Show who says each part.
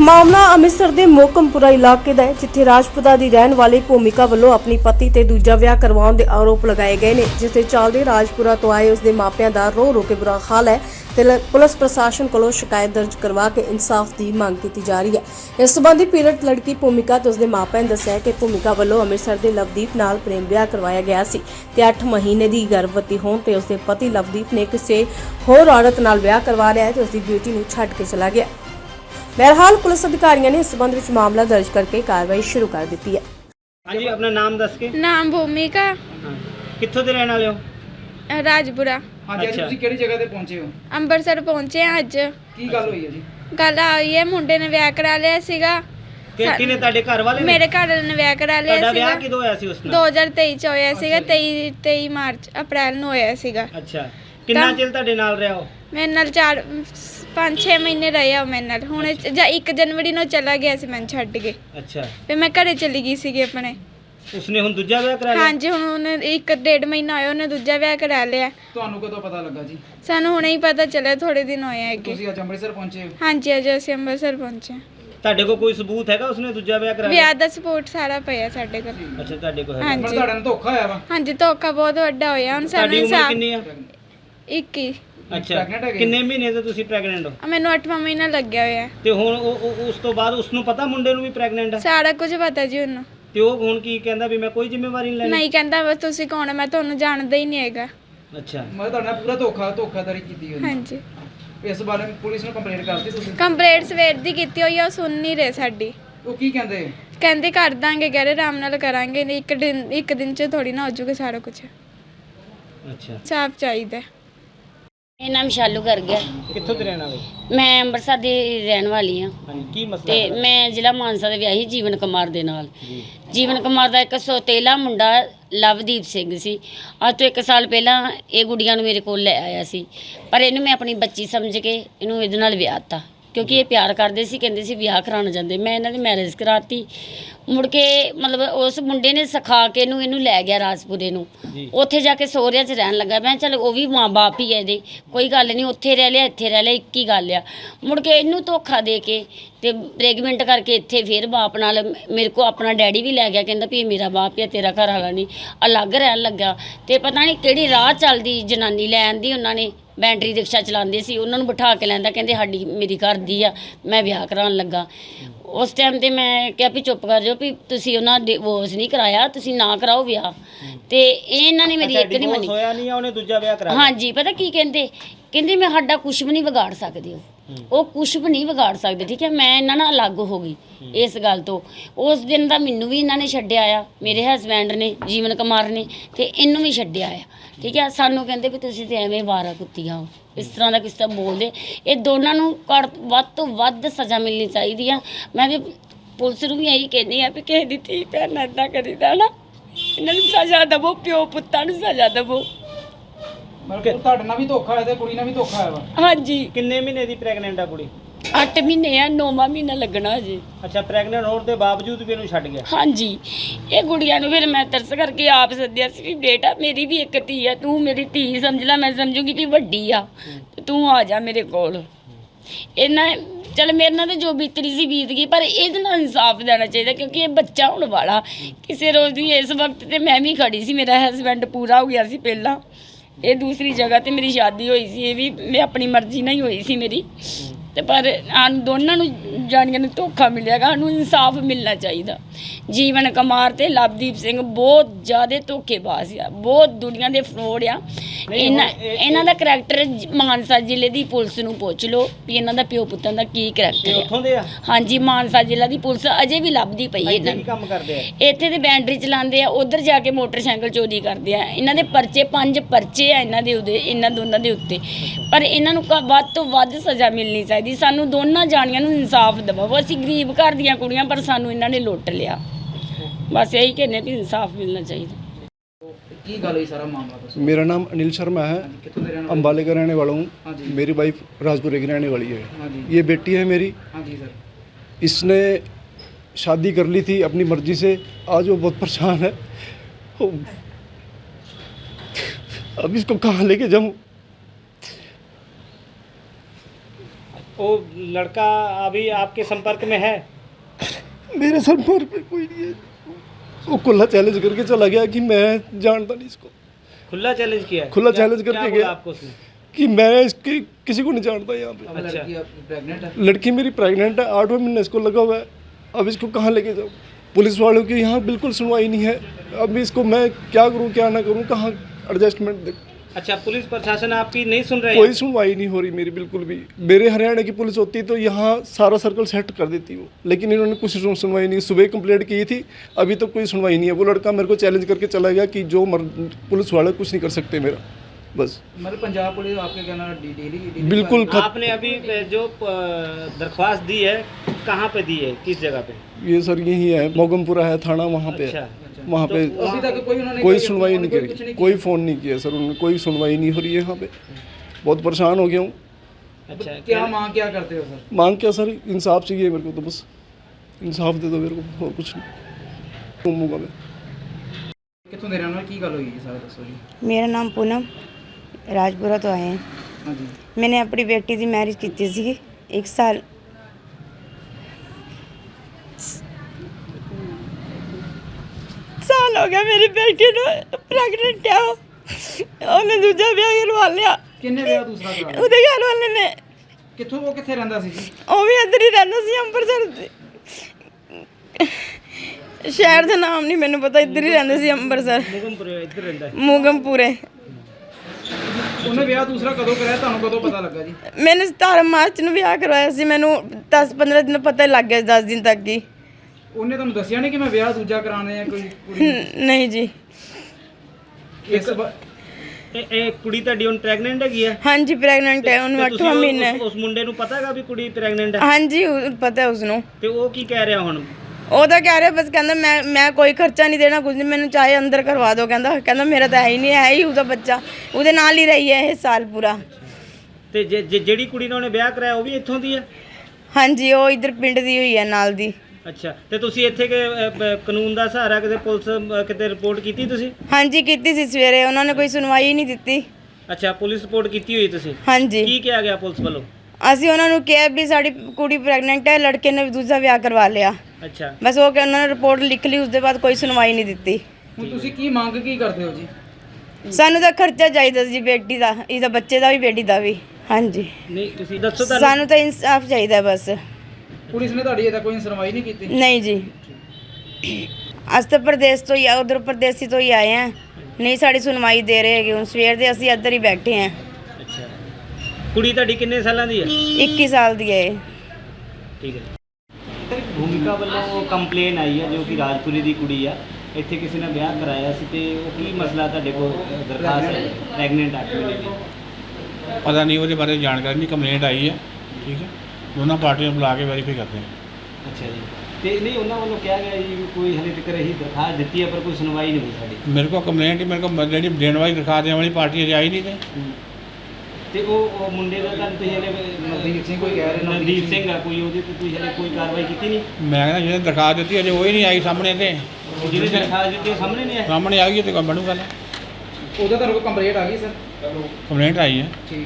Speaker 1: ਮਾਮਲਾ ਅੰਮ੍ਰਿਤਸਰ ਦੇ ਮੋਕਮਪੁਰਾ ਇਲਾਕੇ ਦਾ ਹੈ, ਜਿੱਥੇ ਰਾਜਪੁਰਾ ਦੀ ਰਹਿਣ ਵਾਲੀ ਭੂਮਿਕਾ ਵੱਲੋਂ ਆਪਣੀ ਪਤੀ ਤੇ ਦੂਜਾ ਵਿਆਹ ਕਰਵਾਉਣ ਦੇ ਆਰੋਪ ਲਗਾਏ ਗਏ ਨੇ, ਜਿਸ ਦੇ ਚੱਲਦੇ ਰਾਜਪੁਰਾ ਤੋਂ ਆਏ ਉਸ ਦੇ ਮਾਪਿਆਂ ਦਾ ਰੋ ਕੇ ਬੁਰਾ ਹਾਲ ਹੈ ਤੇ ਪੁਲਿਸ ਪ੍ਰਸ਼ਾਸਨ ਕੋਲੋਂ ਸ਼ਿਕਾਇਤ ਦਰਜ ਕਰਵਾ ਕੇ ਇਨਸਾਫ ਦੀ ਮੰਗ ਕੀਤੀ ਜਾ ਰਹੀ ਹੈ। ਇਸ ਸੰਬੰਧੀ ਪੀੜਤ ਲੜਕੀ ਭੂਮਿਕਾ ਤੇ ਉਸ ਦੇ ਮਾਪਿਆਂ ਨੇ ਦੱਸਿਆ ਕਿ ਭੂਮਿਕਾ ਵੱਲੋਂ ਅੰਮ੍ਰਿਤਸਰ ਦੇ ਲਵਦੀਪ ਨਾਲ ਪ੍ਰੇਮ ਵਿਆਹ ਕਰਵਾਇਆ ਗਿਆ ਸੀ ਤੇ 8 ਮਹੀਨੇ ਦੀ ਗਰਭਵਤੀ ਹੋਣ ਤੇ ਉਸ ਦੇ ਪਤੀ ਲਵਦੀਪ ਨੇ ਕਿਸੇ ਹੋਰ ਔਰਤ ਨਾਲ ਵਿਆਹ ਕਰਵਾ ਲਿਆ ਤੇ ਉਸ ਦੀ ਬੇਟੀ ਨੂੰ ਛੱਡ ਕੇ ਚਲਾ ਗਿਆ। बहरहाल पुलिस अधिकारियों ने इस संबंध में मामला दर्ज करके कार्रवाई शुरू कर दी है।
Speaker 2: हाँ जी, अपना नाम दस के।
Speaker 3: नाम भूमिका
Speaker 2: कित्थों दे रहने वाले हो?
Speaker 3: राजपुरा।
Speaker 4: हाँ जी, ਤੁਸੀਂ ਕਿਹੜੀ ਜਗ੍ਹਾ ਤੇ ਪਹੁੰਚੇ ਹੋ?
Speaker 3: ਅੰਮ੍ਰਿਤਸਰ ਪਹੁੰਚੇ ਹਾਂ ਅੱਜ।
Speaker 4: ਕੀ ਗੱਲ ਹੋਈ ਹੈ ਜੀ?
Speaker 3: ਗੱਲ ਆਈ ਹੈ, ਮੁੰਡੇ ਨੇ ਵਿਆਹ ਕਰਾ ਲਿਆ ਸੀਗਾ।
Speaker 2: ਕਿਹਨੇ ਤੁਹਾਡੇ ਘਰ ਵਾਲੇ ਨੇ?
Speaker 3: ਮੇਰੇ ਘਰ ਵਾਲੇ ਨੇ ਵਿਆਹ ਕਰਾ ਲਿਆ ਸੀਗਾ।
Speaker 2: ਤੁਹਾਡਾ ਵਿਆਹ ਕਿਦੋਂ ਹੋਇਆ ਸੀ ਉਸ ਨਾਲ?
Speaker 3: 2023 ਚ ਹੋਇਆ ਸੀਗਾ। 23 ਮਾਰਚ ਅਪ੍ਰੈਲ ਨੂੰ ਹੋਇਆ ਸੀਗਾ।
Speaker 2: ਅੱਛਾ, ਕਿੰਨਾ ਚਿਰ ਤੁਹਾਡੇ ਨਾਲ ਰਿਹਾ ਹੋ?
Speaker 3: ਮੇਰੇ ਨਾਲ 5-6 ਮਹੀਨੇ ਰਿਹਾ ਮੇਰੇ ਨਾਲ। ਹੁਣ 1 ਜਨਵਰੀ ਨੂੰ ਚਲਾ ਗਿਆ ਸੀ ਮੈਨੂੰ ਛੱਡ ਕੇ।
Speaker 2: ਅੱਛਾ,
Speaker 3: ਫਿਰ ਮੈਂ ਘਰੇ ਚਲੀ ਗਈ ਸੀਗੀ ਆਪਣੇ।
Speaker 2: ਉਸਨੇ ਹੁਣ ਦੂਜਾ ਵਿਆਹ ਕਰਾ ਲਿਆ?
Speaker 3: ਹਾਂਜੀ, ਹੁਣ ਉਹਨੇ 1-1.5 ਮਹੀਨਾ ਹੋਇਆ ਉਹਨੇ ਦੂਜਾ ਵਿਆਹ ਕਰਾ ਲਿਆ।
Speaker 4: ਤੁਹਾਨੂੰ ਕਦੋਂ ਪਤਾ ਲੱਗਾ ਜੀ?
Speaker 3: ਸਾਨੂੰ ਹੁਣੇ ਹੀ ਪਤਾ ਚੱਲਿਆ, ਥੋੜੇ ਦਿਨ ਹੋਏ ਹੈਗੇ।
Speaker 4: ਤੁਸੀਂ ਅੱਜ ਅੰਮ੍ਰਿਤਸਰ ਪਹੁੰਚੇ ਹੋ?
Speaker 3: ਹਾਂਜੀ, ਅੱਜ ਅਸੀਂ ਅੰਮ੍ਰਿਤਸਰ ਪਹੁੰਚੇ।
Speaker 2: ਤੁਹਾਡੇ ਕੋਲ ਕੋਈ ਸਬੂਤ ਹੈਗਾ ਉਸਨੇ ਦੂਜਾ ਵਿਆਹ ਕਰਾ ਲਿਆ?
Speaker 3: ਵਿਆਹ ਦਾ ਸਪੋਰਟ ਸਾਰਾ ਪਿਆ ਸਾਡੇ ਕੋਲ।
Speaker 2: ਅੱਛਾ, ਤੁਹਾਡੇ ਕੋਲ ਹੈ?
Speaker 3: ਹਾਂਜੀ।
Speaker 4: ਪਰ ਤੁਹਾਡੇ ਨਾਲ ਧੋਖਾ ਹੋਇਆ ਵਾ?
Speaker 3: ਹਾਂਜੀ, ਧੋਖਾ ਬਹੁਤ ਵੱਡਾ ਹੋਇਆ। ਹੁਣ
Speaker 2: ਤੁਹਾਡੀ
Speaker 3: ਸਾਨੂੰ
Speaker 2: ਉਮਰ ਕਿੰਨੀ ਆ?
Speaker 3: 21।
Speaker 2: ਅੱਛਾ,
Speaker 4: Pregnant ਹੈਗੇ?
Speaker 2: ਕਿੰਨੇ ਮਹੀਨੇ ਤੋਂ ਤੁਸੀਂ ਪ੍ਰੈਗਨੈਂਟ ਹੋ?
Speaker 3: ਮੈਨੂੰ 8ਵਾਂ ਮਹੀਨਾ ਲੱਗਿਆ ਹੋਇਆ।
Speaker 2: ਤੇ ਹੁਣ ਉਸ ਤੋਂ ਬਾਅਦ ਉਸਨੂੰ ਪਤਾ ਮੁੰਡੇ ਨੂੰ ਵੀ ਪ੍ਰੈਗਨੈਂਟ ਹੈ?
Speaker 3: ਸਾਰਾ ਕੁਝ ਪਤਾ ਜੀ ਉਹਨੂੰ।
Speaker 2: ਤੇ ਉਹ ਹੁਣ ਕੀ ਕਹਿੰਦਾ ਵੀ ਮੈਂ ਕੋਈ ਜ਼ਿੰਮੇਵਾਰੀ ਨਹੀਂ ਲੈਣੀ?
Speaker 3: ਨਹੀਂ ਕਹਿੰਦਾ, ਬਸ ਤੁਸੀਂ ਕੌਣ ਹੈ, ਮੈਂ ਤੁਹਾਨੂੰ ਜਾਣਦਾ ਹੀ ਨਹੀਂ ਹੈਗਾ।
Speaker 2: ਅੱਛਾ,
Speaker 4: ਮੈਂ ਤੁਹਾਡੇ ਨਾਲ ਪੂਰਾ ਧੋਖਾਧੜੀ ਕੀਤੀ ਹੋਈ।
Speaker 3: ਹਾਂਜੀ,
Speaker 4: ਇਸ ਬਾਰੇ ਪੁਲਿਸ ਨੂੰ ਕੰਪਲੇਂਟ ਕਰਤੀ ਤੁਸੀਂ?
Speaker 3: ਕੰਪਲੇਂਟ ਸਵੇਰ ਦੀ ਕੀਤੀ ਹੋਈ ਆ, ਉਹ ਸੁਣ ਨਹੀਂ ਰਹੇ ਸਾਡੀ।
Speaker 4: ਉਹ ਕੀ ਕਹਿੰਦੇ?
Speaker 3: ਕਹਿੰਦੇ ਕਰ ਦਾਂਗੇ, ਕਹਿ ਰਹੇ ਆਰਾਮ ਨਾਲ ਕਰਾਂਗੇ, ਨਹੀਂ ਇੱਕ ਦਿਨ ਚ ਥੋੜੀ ਨਾ ਹੋ ਜਾਊਗਾ ਸਾਰਾ ਕੁਝ।
Speaker 2: ਅੱਛਾ,
Speaker 3: ਸਾਫ਼ ਚਾਹੀਦਾ।
Speaker 5: ਮੇਰਾ ਨਾਮ ਸ਼ਾਲੂ ਕਰ ਗਿਆ।
Speaker 2: ਕਿੱਥੋਂ ਦੇ ਰਹਿਣ ਵਾਲੇ?
Speaker 5: ਮੈਂ ਅੰਮ੍ਰਿਤਸਰ ਦੀ ਰਹਿਣ ਵਾਲੀ ਹਾਂ
Speaker 2: ਹਾਂਜੀ, ਕੀ ਮਸਲਾ
Speaker 5: ਤੇ
Speaker 2: ਹੈ?
Speaker 5: ਮੈਂ ਜ਼ਿਲ੍ਹਾ ਮਾਨਸਾ ਦੇ ਵਿਆਹੀ ਜੀਵਨ ਕੁਮਾਰ ਦੇ ਨਾਲ।
Speaker 2: ਜੀ,
Speaker 5: ਜੀਵਨ ਕੁਮਾਰ ਦਾ ਇੱਕ ਸੌਤੇਲਾ ਮੁੰਡਾ ਲਵਦੀਪ ਸਿੰਘ ਸੀ। ਅੱਜ ਤੋਂ 1 ਸਾਲ ਪਹਿਲਾਂ ਇਹ ਗੁੱਡੀਆਂ ਨੂੰ ਮੇਰੇ ਕੋਲ ਲੈ ਆਇਆ ਸੀ, ਪਰ ਇਹਨੂੰ ਮੈਂ ਆਪਣੀ ਬੱਚੀ ਸਮਝ ਕੇ ਇਹਨੂੰ ਇਹਦੇ ਨਾਲ ਵਿਆਹ ਤਾ, ਕਿਉਂਕਿ ਇਹ ਪਿਆਰ ਕਰਦੇ ਸੀ, ਕਹਿੰਦੇ ਸੀ ਵਿਆਹ ਕਰਾਉਣ ਜਾਂਦੇ। ਮੈਂ ਇਹਨਾਂ ਦੀ ਮੈਰਿਜ ਕਰਾਤੀ। ਮੁੜ ਕੇ ਮਤਲਬ ਉਸ ਮੁੰਡੇ ਨੇ ਸਿਖਾ ਕੇ ਇਹਨੂੰ ਲੈ ਗਿਆ ਰਾਜਪੁਰੇ ਨੂੰ। ਉੱਥੇ ਜਾ ਕੇ ਸਹੁਰਿਆਂ 'ਚ ਰਹਿਣ ਲੱਗਾ। ਮੈਂ ਚੱਲ ਉਹ ਵੀ ਮਾਂ ਬਾਪ ਹੀ ਹੈ ਇਹਦੇ, ਕੋਈ ਗੱਲ ਨਹੀਂ, ਉੱਥੇ ਰਹਿ ਲਿਆ ਇੱਥੇ ਰਹਿ ਲਿਆ, ਇੱਕ ਹੀ ਗੱਲ ਆ। ਮੁੜ ਕੇ ਇਹਨੂੰ ਧੋਖਾ ਦੇ ਕੇ ਤੇ ਪ੍ਰੈਗਨੈਂਟ ਕਰਕੇ ਇੱਥੇ ਫਿਰ ਬਾਪ ਨਾਲ ਮੇਰੇ ਕੋ ਆਪਣਾ ਡੈਡੀ ਵੀ ਲੈ ਗਿਆ, ਕਹਿੰਦਾ ਵੀ ਇਹ ਮੇਰਾ ਬਾਪ ਹੈ, ਤੇਰਾ ਘਰ ਵਾਲਾ ਨਹੀਂ। ਅਲੱਗ ਰਹਿਣ ਲੱਗਾ ਤੇ ਪਤਾ ਨਹੀਂ ਕਿਹੜੀ ਰਾਹ ਚੱਲਦੀ ਜਨਾਨੀ ਲੈ ਆਂਦੀ ਉਹਨਾਂ ਨੇ, ਬੈਟਰੀ ਰਿਕਸ਼ਾ ਚਲਾਉਂਦੇ ਸੀ, ਉਹਨਾਂ ਨੂੰ ਬਿਠਾ ਕੇ ਲੈਂਦਾ, ਕਹਿੰਦੇ ਸਾਡੀ ਮੇਰੀ ਘਰ ਦੀ ਆ, ਮੈਂ ਵਿਆਹ ਕਰਾਉਣ ਲੱਗਾ। ਉਸ ਟਾਈਮ ਤੇ ਮੈਂ ਕਿਹਾ ਵੀ ਚੁੱਪ ਕਰ ਜਾਓ, ਵੀ ਤੁਸੀਂ ਉਹਨਾਂ ਡਿਵੋਰਸ ਨਹੀਂ ਕਰਾਇਆ, ਤੁਸੀਂ ਨਾ ਕਰਾਓ ਵਿਆਹ। ਤੇ ਇਹਨਾਂ ਨੇ ਮੇਰੀ ਇੱਕ ਨਹੀਂ ਮੰਨੀ।
Speaker 2: ਹੋਇਆ ਨਹੀਂ ਆ, ਉਹਨੇ ਦੂਜਾ ਵਿਆਹ ਕਰਾ ਲਿਆ?
Speaker 5: ਹਾਂਜੀ, ਪਤਾ ਕੀ ਕਹਿੰਦੇ ਮੈਂ ਸਾਡਾ ਕੁਝ ਵੀ ਨਹੀਂ ਵਿਗਾੜ ਸਕਦੇ ਹੋ, ਉਹ ਕੁਝ ਵੀ ਨਹੀਂ ਵਿਗਾੜ ਸਕਦੇ। ਠੀਕ ਹੈ, ਮੈਂ ਇਹਨਾਂ ਨਾਲ ਅਲੱਗ ਹੋ ਗਈ ਇਸ ਗੱਲ ਤੋਂ। ਉਸ ਦਿਨ ਦਾ ਮੈਨੂੰ ਵੀ ਇਹਨਾਂ ਨੇ ਛੱਡਿਆ ਆ, ਮੇਰੇ ਹਸਬੈਂਡ ਨੇ ਜੀਵਨ ਕੁਮਾਰ ਨੇ, ਤੇ ਇਹਨੂੰ ਵੀ ਛੱਡਿਆ ਆ। ਠੀਕ ਹੈ, ਸਾਨੂੰ ਕਹਿੰਦੇ ਵੀ ਤੁਸੀਂ ਤੇ ਐਵੇਂ ਵਾਰਾ ਕੁੱਤੀਆਂ ਹੋ, ਇਸ ਤਰ੍ਹਾਂ ਦਾ ਕਿਸ ਤਰ੍ਹਾਂ ਬੋਲਦੇ। ਇਹ ਦੋਨਾਂ ਨੂੰ ਵੱਧ ਤੋਂ ਵੱਧ ਸਜ਼ਾ ਮਿਲਣੀ ਚਾਹੀਦੀ ਆ। ਮੈਂ ਤੇ ਪੁਲਿਸ ਨੂੰ ਵੀ ਇਹੀ ਕਹਿੰਦੀ ਆ ਵੀ ਕਿਸੇ ਦੀ ਧੀ ਭੈਣ ਨਾਲ ਇੱਦਾਂ ਕਰੀਦਾ ਨਾ, ਇਹਨਾਂ ਨੂੰ ਸਜ਼ਾ ਦੇਵੋ, ਪਿਓ ਪੁੱਤਾਂ ਨੂੰ ਸਜ਼ਾ ਦੇਵੋ।
Speaker 4: ਮਤਲਬ ਤੁਹਾਡੇ ਨਾਲ ਵੀ ਧੋਖਾ ਹੋਇਆ ਤੇ ਕੁੜੀ ਨਾਲ ਵੀ ਧੋਖਾ ਹੋਇਆ ਵਾ?
Speaker 5: ਹਾਂਜੀ।
Speaker 2: ਕਿੰਨੇ ਮਹੀਨੇ ਦੀ ਪ੍ਰੈਗਨੈਂਟ ਆ ਕੁੜੀ?
Speaker 5: 8 ਮਹੀਨੇ ਆ, 9ਵਾਂ ਮਹੀਨਾ ਲੱਗਣਾ ਜੀ।
Speaker 2: ਅੱਛਾ, ਪ੍ਰੈਗਨੈਂਟ ਹੋਣ ਦੇ ਬਾਵਜੂਦ ਵੀ ਇਹਨੂੰ ਛੱਡ ਗਿਆ?
Speaker 5: ਹਾਂਜੀ, ਇਹ ਗੁੜੀਆਂ ਨੂੰ ਫਿਰ ਮੈਂ ਤਰਸ ਕਰਕੇ ਆਪ ਸੱਦਿਆ ਸੀ ਵੀ ਬੇਟਾ ਮੇਰੀ ਵੀ ਇੱਕ ਧੀ ਆ, ਤੂੰ ਮੇਰੀ ਧੀ ਸਮਝ ਲੈ, ਮੈਂ ਸਮਝੂਗੀ ਵੀ ਵੱਡੀ ਆ, ਤੇ ਤੂੰ ਆ ਜਾ ਮੇਰੇ ਕੋਲ। ਇਹਨਾਂ ਚਲ ਮੇਰੇ ਨਾਲ ਤਾਂ ਜੋ ਬੀਤਰੀ ਸੀ ਬੀਤ ਗਈ, ਪਰ ਇਹਦੇ ਨਾਲ ਇਨਸਾਫ ਦੇਣਾ ਚਾਹੀਦਾ, ਕਿਉਂਕਿ ਇਹ ਬੱਚਾ ਹੋਣ ਵਾਲਾ ਕਿਸੇ ਰੋਜ਼ ਦੀ। ਇਸ ਵਕਤ ਤੇ ਮੈਂ ਵੀ ਖੜੀ ਸੀ, ਮੇਰਾ ਹਸਬੈਂਡ ਪੂਰਾ ਹੋ ਗਿਆ ਸੀ ਪਹਿਲਾਂ, ਇਹ ਦੂਸਰੀ ਜਗ੍ਹਾ ਤੇ ਮੇਰੀ ਸ਼ਾਦੀ ਹੋਈ ਸੀ, ਇਹ ਵੀ ਮੈਂ ਆਪਣੀ ਮਰਜ਼ੀ ਨਾਲ ਹੀ ਹੋਈ ਸੀ ਮੇਰੀ। ਤੇ ਪਰ ਸਾਨੂੰ ਦੋਨਾਂ ਨੂੰ ਜਾਣੀਆਂ ਨੂੰ ਧੋਖਾ ਮਿਲਿਆਗਾ, ਸਾਨੂੰ ਇਨਸਾਫ ਮਿਲਣਾ ਚਾਹੀਦਾ। ਜੀਵਨ ਕੁਮਾਰ ਤੇ ਲਵਦੀਪ ਸਿੰਘ ਬਹੁਤ ਜ਼ਿਆਦਾ ਧੋਖੇਬਾਜ਼ ਆ, ਬਹੁਤ ਦੁਨੀਆ ਦੇ ਫਰੋਡ ਆ। ਇਹਨਾਂ ਦਾ ਕਰੈਕਟਰ ਮਾਨਸਾ ਜ਼ਿਲ੍ਹੇ ਦੀ ਪੁਲਿਸ ਨੂੰ ਪੁੱਛ ਲਓ ਵੀ ਇਹਨਾਂ ਦਾ ਪਿਓ ਪੁੱਤਾਂ ਦਾ ਕੀ ਕਰੈਕਟਰ
Speaker 2: ਉੱਥੋਂ ਦੇ ਆ?
Speaker 5: ਹਾਂਜੀ, ਮਾਨਸਾ ਜ਼ਿਲ੍ਹਾ ਦੀ ਪੁਲਿਸ ਅਜੇ ਵੀ ਲੱਭਦੀ ਪਈ ਹੈ ਇਹਨਾਂ
Speaker 2: ਕੀ ਕੰਮ ਕਰਦੇ ਆ?
Speaker 5: ਇੱਥੇ ਤੇ ਬੈਟਰੀ ਚਲਾਉਂਦੇ ਆ, ਉਧਰ ਜਾ ਕੇ ਮੋਟਰਸਾਈਕਲ ਚੋਰੀ ਕਰਦੇ ਆ। ਇਹਨਾਂ ਦੇ ਪਰਚੇ 5 ਪਰਚੇ ਆ ਇਹਨਾਂ ਦੋਨਾਂ ਦੇ ਉੱਤੇ, ਪਰ ਇਹਨਾਂ ਨੂੰ ਵੱਧ ਤੋਂ ਵੱਧ ਸਜ਼ਾ ਮਿਲਣੀ ਚਾਹੀਦੀ। ਸਾਨੂੰ ਦੋਨਾਂ ਜਾਣੀਆਂ ਨੂੰ ਇਨਸਾਫ ਦਿਵਾਓ। ਅਸੀਂ ਗਰੀਬ ਘਰ ਦੀਆਂ ਕੁੜੀਆਂ, ਪਰ ਸਾਨੂੰ ਇਹਨਾਂ ਨੇ ਲੁੱਟ ਲਿਆ। ਬਸ ਇਹੀ ਕਹਿੰਦੇ ਵੀ ਇਨਸਾਫ ਮਿਲਣਾ ਚਾਹੀਦਾ।
Speaker 4: ਕੀ ਗੱਲ ਹੋਈ, ਸਾਰਾ ਮਾਮਲਾ ਦੱਸੋ।
Speaker 6: मेरा नाम अनिल शर्मा है,
Speaker 4: ਕਿੱਥੋਂ ਦੇ ਰਹਿਣ ਵਾਲੇ?
Speaker 6: अम्बाले का रहने वाला
Speaker 4: हाँ
Speaker 6: हूँ।
Speaker 4: जी।
Speaker 6: मेरी वाइफ राजपुरे की रहने वाली है।
Speaker 4: हाँ जी।
Speaker 6: ये बेटी है मेरी।
Speaker 4: हाँ जी सर।
Speaker 6: इसने शादी कर ली थी अपनी मर्जी से, आज वो बहुत परेशान है। अब इसको कहाँ लेके जाऊँ?
Speaker 2: वो लड़का अभी आपके संपर्क में है?
Speaker 6: मेरे संपर्क में कोई नहीं है। वो खुला चैलेंज करके चला गया कि मैं जानता नहीं इसको।
Speaker 2: खुला चैलेंज किया है?
Speaker 6: खुला
Speaker 2: क्या-
Speaker 6: चैलेंज करके
Speaker 2: क्या बोला
Speaker 6: गया।
Speaker 2: आपको उसने?
Speaker 6: कि मैं इसके किसी को नहीं जानता यहाँ पे।
Speaker 2: अच्छा।
Speaker 4: लड़की आपकी प्रेग्नेंट है?
Speaker 6: लड़की मेरी प्रेग्नेंट है, 8वें महीने इसको लगा हुआ है। अब इसको कहाँ लेके जाऊँ? पुलिस वालों की यहाँ बिल्कुल सुनवाई नहीं है। अब इसको मैं क्या करूँ क्या ना करूँ, कहाँ एडजस्टमेंट दे?
Speaker 2: अच्छा, पुलिस प्रशासन आपकी नहीं सुन रहे
Speaker 6: कोई
Speaker 2: हैं?
Speaker 6: सुनवाई नहीं हो रही मेरी बिल्कुल भी। मेरे हरियाणा की पुलिस होती तो यहाँ सारा सर्कल सेट कर देती वो, लेकिन इन्होंने कुछ सुनवाई नहीं। सुबह कंप्लेंट की थी, अभी तो कोई सुनवाई नहीं है। वो लड़का मेरे को चैलेंज करके चला गया कि जो पुलिस वाले कुछ नहीं कर सकते मेरा, बस।
Speaker 4: मतलब पंजाब पुलिस आपके कहना डेली
Speaker 6: बिल्कुल
Speaker 2: आपने अभी जो दरख्वास्त दी है कहाँ पे दी है, किस जगह पे?
Speaker 6: ये सर यही है, मोगमपुरा है थाना, वहाँ पे
Speaker 2: अच्छा।
Speaker 6: है। वहाँ पे
Speaker 4: अभी तक कोई उन्होंने
Speaker 6: कोई
Speaker 4: कोई
Speaker 6: सुनवाई
Speaker 4: फोन,
Speaker 6: नहीं
Speaker 4: कोई
Speaker 6: करी,
Speaker 4: कुछ नहीं
Speaker 6: कोई फ़ोन नहीं किया सर उन्होंने। कोई सुनवाई नहीं हो रही है यहाँ पे। बहुत परेशान हो गया हूँ।
Speaker 2: अच्छा,
Speaker 4: क्या मांग क्या करते हो सर?
Speaker 6: मांग क्या सर, इंसाफ चाहिए मेरे को, तो बस इंसाफ दे दो मेरे को, और कुछ नहीं घूमूंगा मैं।
Speaker 4: कितों दे रहने वाले, की गल हुई है सारा दसो जी।
Speaker 7: मेरा नाम पूनम, राजपुरा तो आए हैं।
Speaker 4: हाँ जी।
Speaker 7: मैंने अपनी बेटी की मैरिज की थी 1 साल हो गया मेरी बेटी प्रेगनेंट है। ਉਹਨੇ ਦੂਜਾ ਵਿਆਹ ਕਰਵਾ ਲਿਆ
Speaker 4: ਕਿੰਨੇ ਵਿਆਹ ਦੂਸਰਾ ਕਰਾ?
Speaker 7: ਉਹਦੇ ਘਰ ਵਾਲੇ ਨੇ।
Speaker 4: ਕਿੱਥੋਂ ਉਹ ਕਿੱਥੇ ਰਹਿੰਦਾ ਸੀ ਜੀ?
Speaker 7: ਉਹ ਵੀ ਇੱਧਰ ਹੀ ਰਹਿੰਦਾ ਸੀ, ਅੰਮ੍ਰਿਤਸਰ ਦੇ। ਸ਼ਹਿਰ ਦਾ ਨਾਮ ਨਹੀਂ ਮੈਨੂੰ ਪਤਾ, ਇੱਧਰ ਹੀ ਰਹਿੰਦੇ ਸੀ ਅੰਮ੍ਰਿਤਸਰ,
Speaker 2: ਮੁਗਮਪੁਰੇ ਇੱਧਰ ਰਹਿੰਦਾ ਹੈ?
Speaker 7: ਮੂਗਮਪੁਰੇ।
Speaker 4: ਉਹਨੇ ਵਿਆਹ ਦੂਸਰਾ ਕਦੋਂ ਕਰਾਇਆ, ਤੁਹਾਨੂੰ ਕਦੋਂ ਪਤਾ ਲੱਗਾ ਜੀ?
Speaker 7: मैंने 17 मार्च ਨੂੰ ਵਿਆਹ ਕਰਵਾਇਆ ਸੀ। ਮੈਨੂੰ 10-15 ਦਿਨ ਪਤਾ ਹੀ ਲੱਗ ਗਿਆ, 10 ਦਿਨ ਤੱਕ ਹੀ।
Speaker 4: ਉਹਨੇ ਤੁਹਾਨੂੰ ਦੱਸਿਆ ਨਹੀਂ ਕਿ ਮੈਂ ਵਿਆਹ ਦੂਜਾ ਕਰਾਉਣਾ ਹੈ ਕੋਈ ਕੁੜੀ?
Speaker 7: ਨਹੀਂ ਜੀ।
Speaker 4: ਇਸ ਵਾ-
Speaker 2: ਇਹ ਕੁੜੀ ਤੁਹਾਡੀ ਹੁਣ ਪ੍ਰੈਗਨੈਂਟ ਹੈਗੀ ਹੈ?
Speaker 7: ਹਾਂਜੀ ਪ੍ਰੈਗਨੈਂਟ ਹੈ, ਉਹਨੂੰ
Speaker 2: ਤੇ ਤੁਸੀਂ
Speaker 7: 8ਵਾਂ ਮਹੀਨਾ ਹੈ।
Speaker 2: ਉਸ ਮੁੰਡੇ ਨੂੰ ਪਤਾ ਹੈਗਾ ਵੀ ਕੁੜੀ ਪ੍ਰੈਗਨੈਂਟ ਹੈ?
Speaker 7: ਹਾਂਜੀ ਪਤਾ ਹੈ ਉਸਨੂੰ।
Speaker 2: ਤੇ ਉਹ ਕੀ ਕਹਿ ਰਿਹਾ ਹੁਣ?
Speaker 7: ਉਹ ਤਾਂ ਕਹਿ ਰਿਹਾ ਬਸ, ਕਹਿੰਦਾ ਮੈਂ ਕੋਈ ਖਰਚਾ ਨਹੀਂ ਦੇਣਾ, ਕੁਝ ਨਹੀਂ, ਮੈਨੂੰ ਚਾਹੇ ਅੰਦਰ ਕਰਵਾ ਦਿਓ। ਕਹਿੰਦਾ ਮੇਰਾ ਤਾਂ ਹੈ ਹੀ ਨਹੀਂ, ਹੈ ਹੀ ਉਹਦਾ ਬੱਚਾ, ਉਹਦੇ ਨਾਲ ਹੀ ਰਹੀ ਹੈ ਇਹ ਸਾਲ ਪੂਰਾ।
Speaker 2: ਤੇ ਜਿਹੜੀ ਕੁੜੀ ਨਾਲ ਉਹਨੇ ਵਿਆਹ ਕਰਾਇਆ ਉਹ ਵੀ ਇੱਥੋਂ ਦੀ ਹੈ?
Speaker 7: ਹਾਂਜੀ ਉਹ ਇੱਧਰ ਪਿੰਡ ਦੀ ਹੋਈ ਹੈ, ਨਾਲ ਦੀ।
Speaker 2: ਅੱਛਾ, ਤੇ ਤੁਸੀਂ ਇੱਥੇ ਕਾਨੂੰਨ ਦਾ ਸਹਾਰਾ ਕਿਤੇ ਪੁਲਿਸ ਕਿਤੇ ਰਿਪੋਰਟ ਕੀਤੀ ਤੁਸੀਂ?
Speaker 7: ਹਾਂਜੀ ਕੀਤੀ ਸੀ ਸਵੇਰੇ, ਉਹਨਾਂ ਨੇ ਕੋਈ ਸੁਣਵਾਈ ਹੀ ਨਹੀਂ ਦਿੱਤੀ।
Speaker 2: ਅੱਛਾ, ਪੁਲਿਸ ਰਿਪੋਰਟ ਕੀਤੀ ਹੋਈ ਤੁਸੀਂ?
Speaker 7: ਹਾਂਜੀ
Speaker 2: ਕੀ ਕਿਹਾ ਗਿਆ ਪੁਲਿਸ ਵੱਲੋਂ?
Speaker 7: ਅਸੀਂ ਉਹਨਾਂ ਨੂੰ ਕਿਹਾ ਵੀ ਸਾਡੀ ਕੁੜੀ ਪ੍ਰੈਗਨੈਂਟ ਹੈ, ਲੜਕੇ ਨੇ ਦੂਜਾ ਵਿਆਹ ਕਰਵਾ ਲਿਆ।
Speaker 2: ਅੱਛਾ,
Speaker 7: ਬਸ ਉਹ ਕਿ ਉਹਨਾਂ ਨੇ ਰਿਪੋਰਟ ਲਿਖ ਲਈ, ਉਸ ਦੇ ਬਾਅਦ ਕੋਈ ਸੁਣਵਾਈ ਨਹੀਂ ਦਿੱਤੀ।
Speaker 4: ਹੁਣ ਤੁਸੀਂ ਕੀ ਮੰਗ ਕੀ ਕਰਦੇ ਹੋ ਜੀ?
Speaker 7: ਸਾਨੂੰ ਤਾਂ ਖਰਚਾ ਚਾਹੀਦਾ ਸੀ ਬੇਟੀ ਦਾ, ਇਹਦਾ ਬੱਚੇ ਦਾ ਵੀ ਬੇਟੀ ਦਾ ਵੀ। ਹਾਂਜੀ
Speaker 2: ਨਹੀਂ ਤੁਸੀਂ ਦੱਸੋ ਤੁਹਾਨੂੰ।
Speaker 7: ਸਾਨੂੰ ਤਾਂ ਇਨਸਾਫ ਚਾਹੀਦਾ ਬਸ।
Speaker 4: ਪੁਲਿਸ ਨੇ ਤੁਹਾਡੀ ਇਹਦਾ ਕੋਈ ਸੁਣਵਾਈ ਨਹੀਂ ਕੀਤੀ?
Speaker 7: ਨਹੀਂ ਜੀ, ਅਸੀਂ ਤਾਂ ਪ੍ਰਦੇਸ਼ ਤੋਂ ਹੀ ਆ, ਉਧਰ ਪ੍ਰਦੇਸੀ ਤੋਂ ਹੀ ਆਏ ਆ, ਨਹੀਂ ਸਾਡੀ ਸੁਣਵਾਈ ਦੇ ਰਹੇ ਹੈਗੇ। ਹੁਣ ਸਵੇਰ ਦੇ ਅਸੀਂ ਇੱਧਰ ਹੀ ਬੈਠੇ ਆ।
Speaker 2: ਅੱਛਾ, ਕੁੜੀ ਤੁਹਾਡੀ ਕਿੰਨੇ ਸਾਲਾਂ ਦੀ ਹੈ?
Speaker 7: 21 ਸਾਲ ਦੀ ਹੈ ਇਹ।
Speaker 2: ਠੀਕ ਹੈ। ਭੂਮਿਕਾ ਵੱਲੋਂ ਕੰਪਲੇਨ ਆਈ ਹੈ ਜੋ ਕਿ ਰਾਜਪੁਰੀ ਦੀ ਕੁੜੀ ਆ, ਇੱਥੇ ਕਿਸੇ ਨੇ ਵਿਆਹ ਕਰਾਇਆ ਸੀ ਤੇ ਉਹ ਕੀ ਮਸਲਾ ਤੁਹਾਡੇ ਕੋਲ ਦਰਖਾਸਤ ਹੈ ਪ੍ਰੈਗਨੈਂਟ 8 ਮਹੀਨੇ ਦੀ?
Speaker 8: ਪਤਾ ਨਹੀਂ, ਉਹਦੇ ਬਾਰੇ ਜਾਣਕਾਰੀ ਨਹੀਂ। ਕੰਪਲੇਂਟ ਆਈ ਹੈ, ਠੀਕ ਹੈ, ਦੋਨਾਂ ਪਾਰਟੀਆਂ ਨੂੰ ਬੁਲਾ ਕੇ ਵੈਰੀਫਾਈ ਕਰਦੇ ਹਾਂ।
Speaker 2: ਅੱਛਾ ਜੀ, ਤੇ ਨਹੀਂ ਉਹਨਾਂ ਵੱਲੋਂ ਕਿਹਾ ਗਿਆ ਜੀ ਵੀ ਕੋਈ ਹਲੇ ਤੱਕ ਇਹੀ ਦਰਖਾਸਤ ਦਿੱਤੀ ਹੈ ਪਰ ਕੋਈ ਸੁਣਵਾਈ ਨਹੀਂ ਹੋਈ ਸਾਡੀ।
Speaker 8: ਮੇਰੇ ਕੋਲ ਕੰਪਲੇਂਟ ਹੀ, ਮੇਰੇ ਕੋਲ ਜਿਹੜੀ ਦੇਣ ਵਾਲੀ ਦਰਖਾਸਤ ਦੇਣ ਵਾਲੀ ਪਾਰਟੀ ਅਜੇ ਆਈ ਨਹੀਂ
Speaker 2: ਤੇ ਉਹ ਮੁੰਡੇ ਦਾ ਤੁਹਾਨੂੰ ਤੁਸੀਂ ਹਲੇ
Speaker 4: ਨਵਦੀਪ ਸਿੰਘ ਕੋਈ ਕਹਿ ਰਹੇ
Speaker 2: ਨਵਦੀਪ ਸਿੰਘ ਆ ਕੋਈ, ਉਹਦੇ ਤੇ ਤੁਸੀਂ ਹਲੇ ਕੋਈ ਕਾਰਵਾਈ ਕੀਤੀ ਨਹੀਂ?
Speaker 8: ਮੈਂ ਕਹਿੰਦਾ ਜਿਹਨੇ ਦਰਖਾਸਤ ਦਿੱਤੀ ਅਜੇ ਉਹ ਹੀ ਨਹੀਂ ਆਈ ਸਾਹਮਣੇ, ਤੇ
Speaker 2: ਜਿਹਨੇ ਦਰਖਾਸਤ ਦਿੱਤੀ ਉਹ ਸਾਹਮਣੇ ਨਹੀਂ ਆਇਆ?
Speaker 8: ਸਾਹਮਣੇ ਆ ਗਈ ਤੇ ਕੰਮ ਬਣੂ ਗੱਲ।
Speaker 4: ਉਹਦਾ ਤੁਹਾਨੂੰ ਕੋਈ ਕੰਪਲੇਂਟ ਆ ਗਈ ਸਰ?
Speaker 8: ਕੰਪਲੇਂਟ ਆਈ ਹੈ।